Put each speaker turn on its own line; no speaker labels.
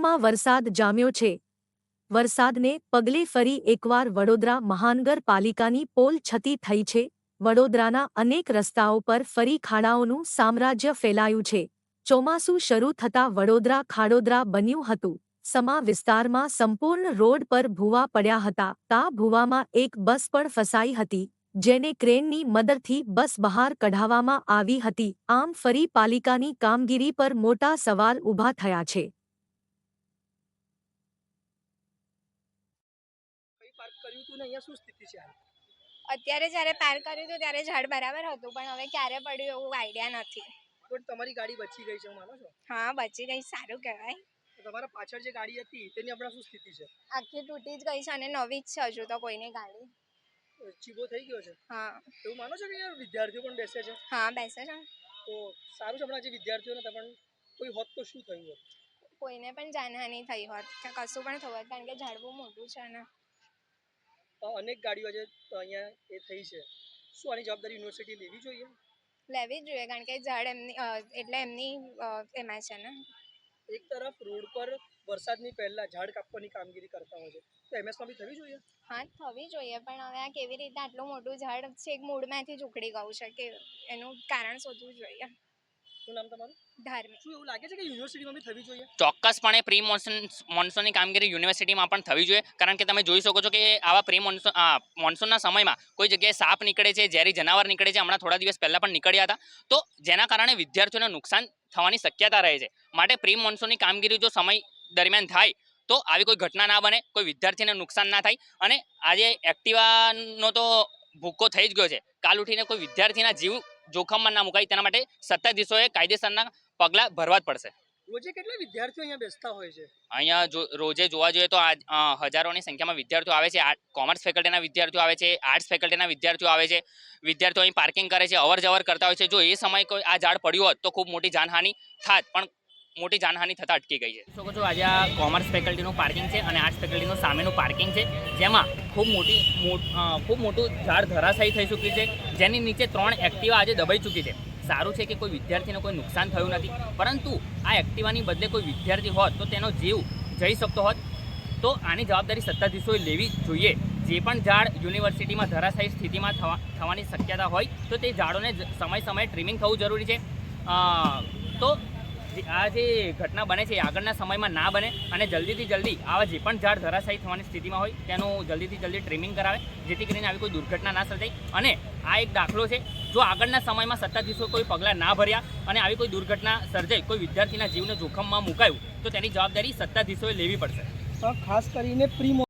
વડોદરામાં વરસાદ જામ્યો છે। વરસાદને પગલે ફરી એકવાર વડોદરા મહાનગરપાલિકાની પોલ છતી થઈ છે। વડોદરાના અનેક રસ્તાઓ પર ફરી ખાડાઓનું સામ્રાજ્ય ફેલાયું છે। ચોમાસું શરૂ થતાં વડોદરા ખાડોદરા બન્યું હતું। સમા વિસ્તારમાં સંપૂર્ણ રોડ પર ભૂવા પડ્યા હતા। તા ભૂવામાં એક બસ પણ ફસાઈ હતી, જેને ક્રેનની મદદથી બસ બહાર કઢાવવામાં આવી હતી। આમ ફરી પાલિકાની કામગીરી પર મોટા સવાલ ઊભા થયા છે।
અત્યારે જ્યારે પાર્ક કર્યું હતું ત્યારે ઝાડ બરાબર હતું, પણ હવે ક્યારે પડ્યું એવું આઈડિયા નથી।
પણ તમારી ગાડી બચી ગઈ છે, માનો છો?
હા, બચી ગઈ, સારું કહેવાય।
તમારા પાછળ જે ગાડી હતી તેની હમણાં શું સ્થિતિ છે?
આખી તૂટી જ ગઈ છે અને નવી જ છે હજુ તો કોઈની ગાડી।
ચીબો થઈ ગયો છે?
હા।
એવું માનો છો કે યાર વિદ્યાર્થીઓ પણ બેસે છે?
હા, બેસે છે।
તો સારું છે, હમણાં જે વિદ્યાર્થીઓને પણ કોઈ હોત તો શું થયું હોત?
કોઈને પણ જાનહાનિ થઈ હોત કે કશું પણ થયું હોત, કારણ કે ઝાડ બહુ મોટું છે ને।
અનેક ગાડીઓ છે તો અહીંયા એ થઈ છે, શું આની જવાબદારી યુનિવર્સિટી લેવી જોઈએ?
લેવી જ જોઈએ, કારણ કે ઝાડ એમની એટલે એમની એમાં છે ને।
એક તરફ રોડ પર વરસાદની પહેલા ઝાડ કાપવાની કામગીરી કરતા હોય છે, તો એમએસમાં બી થવી જોઈએ?
હા, થવી જોઈએ, પણ હવે આ કેવી રીતે આટલું મોટું ઝાડ છે એક મૂળમાંથી જ ઉખડી ગયું છે, કે એનું કારણ શોધવું જોઈએ।
શું નામ તમારું?
ધાર્મિક।
શું એવું લાગે છે કે યુનિવર્સિટીમાં બી થવી જોઈએ?
ચોક્કસપણે પ્રી મોન્સૂનની કામગીરી યુનિવર્સિટીમાં પણ થવી જોઈએ, કારણ કે તમે જોઈ શકો છો કે આવા પ્રી મોન્સૂનના સમયમાં કોઈ જગ્યાએ સાપ નીકળે છે, ઝેરી જનાવર નીકળે છે। હમણાં થોડા દિવસ પહેલા પણ નીકળ્યા હતા, તો જેના કારણે વિદ્યાર્થીઓને નુકસાન થવાની શક્યતા રહે છે। માટે પ્રી મોન્સૂનની કામગીરી જો સમય દરમિયાન થાય તો આવી કોઈ ઘટના ના બને, કોઈ વિદ્યાર્થીને નુકસાન ના થાય। અને આજે એક્ટિવાનો તો ભૂક્કો થઈ જ ગયો છે, કાલ ઉઠીને કોઈ વિદ્યાર્થીના જીવ જોખમમાં ના મુકાય તેના માટે સત્તાધીશોએ કાયદેસરના પગલાં ભરવા જ પડશે।
રોજે કેટલા વિદ્યાર્થીઓ અહીંયા બેસતા હોય છે?
અહીંયા રોજે જોવા જોઈએ તો હજારોની સંખ્યામાં વિદ્યાર્થીઓ આવે છે। કોમર્સ ફેકલ્ટીના વિદ્યાર્થીઓ આવે છે, આર્ટ્સ ફેકલ્ટીના વિદ્યાર્થીઓ આવે છે। વિદ્યાર્થીઓ અહીં પાર્કિંગ કરે છે, અવર જવર કરતા હોય છે। જો એ સમયે કોઈ આ ઝાડ પડ્યું હોત તો ખૂબ મોટી જાનહાનિ થાત, પણ મોટી જાનહાનિ થતાં અટકી ગઈ છે। શકો છો આજે આ કોમર્સ ફેકલ્ટીનું પાર્કિંગ છે અને આર્ટ્સ ફેકલ્ટીનું સામેનું પાર્કિંગ છે, જેમાં ખૂબ મોટું ઝાડ ધરાશાયી થઈ ચૂક્યું છે, જેની નીચે 3 એક્ટિવા આજે દબાઈ ચૂકી છે। સારું છે કે કોઈ વિદ્યાર્થીને કોઈ નુકસાન થયું નથી, પરંતુ આ એક્ટિવાની બદલે કોઈ વિદ્યાર્થી હોત તો તેનો જીવ જઈ શકતો હોત। તો આની જવાબદારી સત્તાધીશોએ લેવી જોઈએ। જે પણ ઝાડ યુનિવર્સિટીમાં ધરાશાયી સ્થિતિમાં થવાની શક્યતા હોય તો તે ઝાડોને સમયે ટ્રીમિંગ થવું જરૂરી છે। તો આ જે ઘટના બને છે એ આગળના સમયમાં ના બને, અને જલ્દીથી જલ્દી આવા જે પણ ઝાડ ધરાશાયી થવાની સ્થિતિમાં હોય તેનું જલ્દીથી જલ્દી ટ્રીમિંગ કરાવે, જેથી કરીને આવી કોઈ દુર્ઘટના ના સર્જાય। અને આ એક દાખલો છે, જો આગળના સમયમાં સત્તાધીશો કોઈ પગલાં ના ભર્યા અને આવી કોઈ દુર્ઘટના સર્જાઈ, કોઈ વિદ્યાર્થીના જીવને જોખમમાં મુકાયું, તો તેની જવાબદારી સત્તાધીશોએ લેવી પડશે।
ખાસ કરીને પ્રી